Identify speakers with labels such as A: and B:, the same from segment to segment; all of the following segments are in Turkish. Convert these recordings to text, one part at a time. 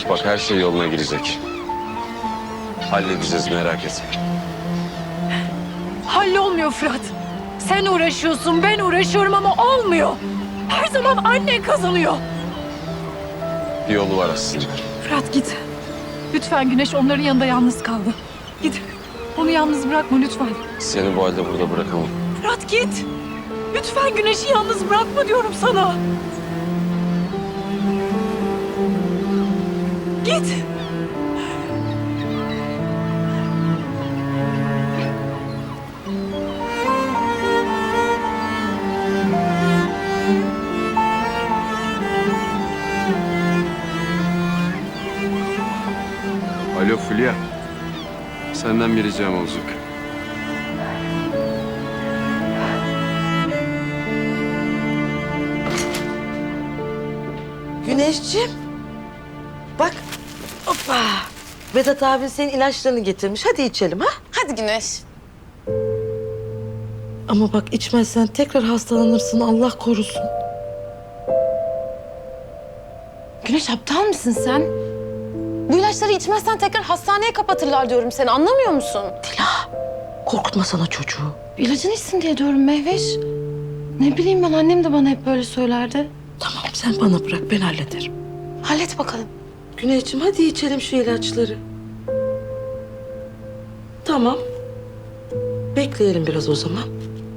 A: Bak her şey yoluna girecek. Halledeceğiz, merak etme.
B: Hallolmuyor Fırat. Sen uğraşıyorsun, ben uğraşıyorum ama olmuyor. Her zaman annen kazanıyor.
A: Bir yolu var aslında.
B: Fırat git. Lütfen Güneş onların yanında yalnız kaldı. Git. Onu yalnız bırakma lütfen.
A: Seni bu halde burada bırakamam.
B: Fırat git. Lütfen Güneş'i yalnız bırakma diyorum sana. Git.
A: Alo Fulya. Senden bir ricam olacak.
C: Güneşciğim. Bak. Hoppa. Vedat abin senin ilaçlarını getirmiş. Hadi içelim ha.
D: Hadi Güneş.
C: Ama bak içmezsen tekrar hastalanırsın. Allah korusun.
D: Güneş aptal mısın sen? Bu ilaçları içmezsen tekrar hastaneye kapatırlar diyorum seni. Anlamıyor musun?
C: Korkutma sana çocuğu.
D: İlacını içsin diye diyorum Mehveş. Ne bileyim ben, annem de bana hep böyle söylerdi.
C: Tamam sen bana bırak ben hallederim.
D: Hallet bakalım.
C: Güneşciğim hadi içelim şu ilaçları. Tamam. Bekleyelim biraz o zaman.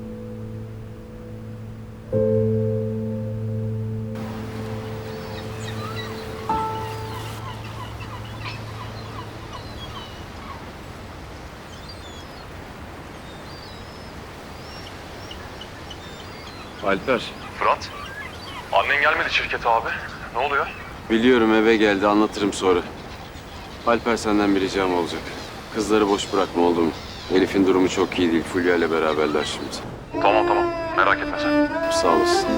A: Alper.
E: Fırat, annen gelmedi şirkete abi. Ne oluyor?
A: Biliyorum eve geldi, anlatırım sonra. Alper senden bir ricam olacak. Kızları boş bırakma oldu mu? Elif'in durumu çok iyi değil. Fulya ile beraberler şimdi.
E: Tamam tamam, merak etme sen.
A: Sağ olasın.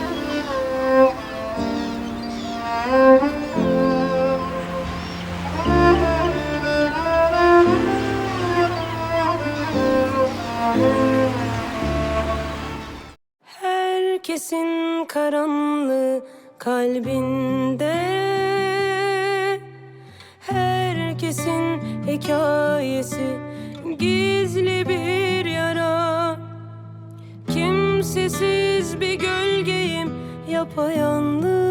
F: Herkesin karanlığı kalbinde, herkesin hikayesi gizli bir yara. Kimsesiz bir gölgeyim yapayalnız.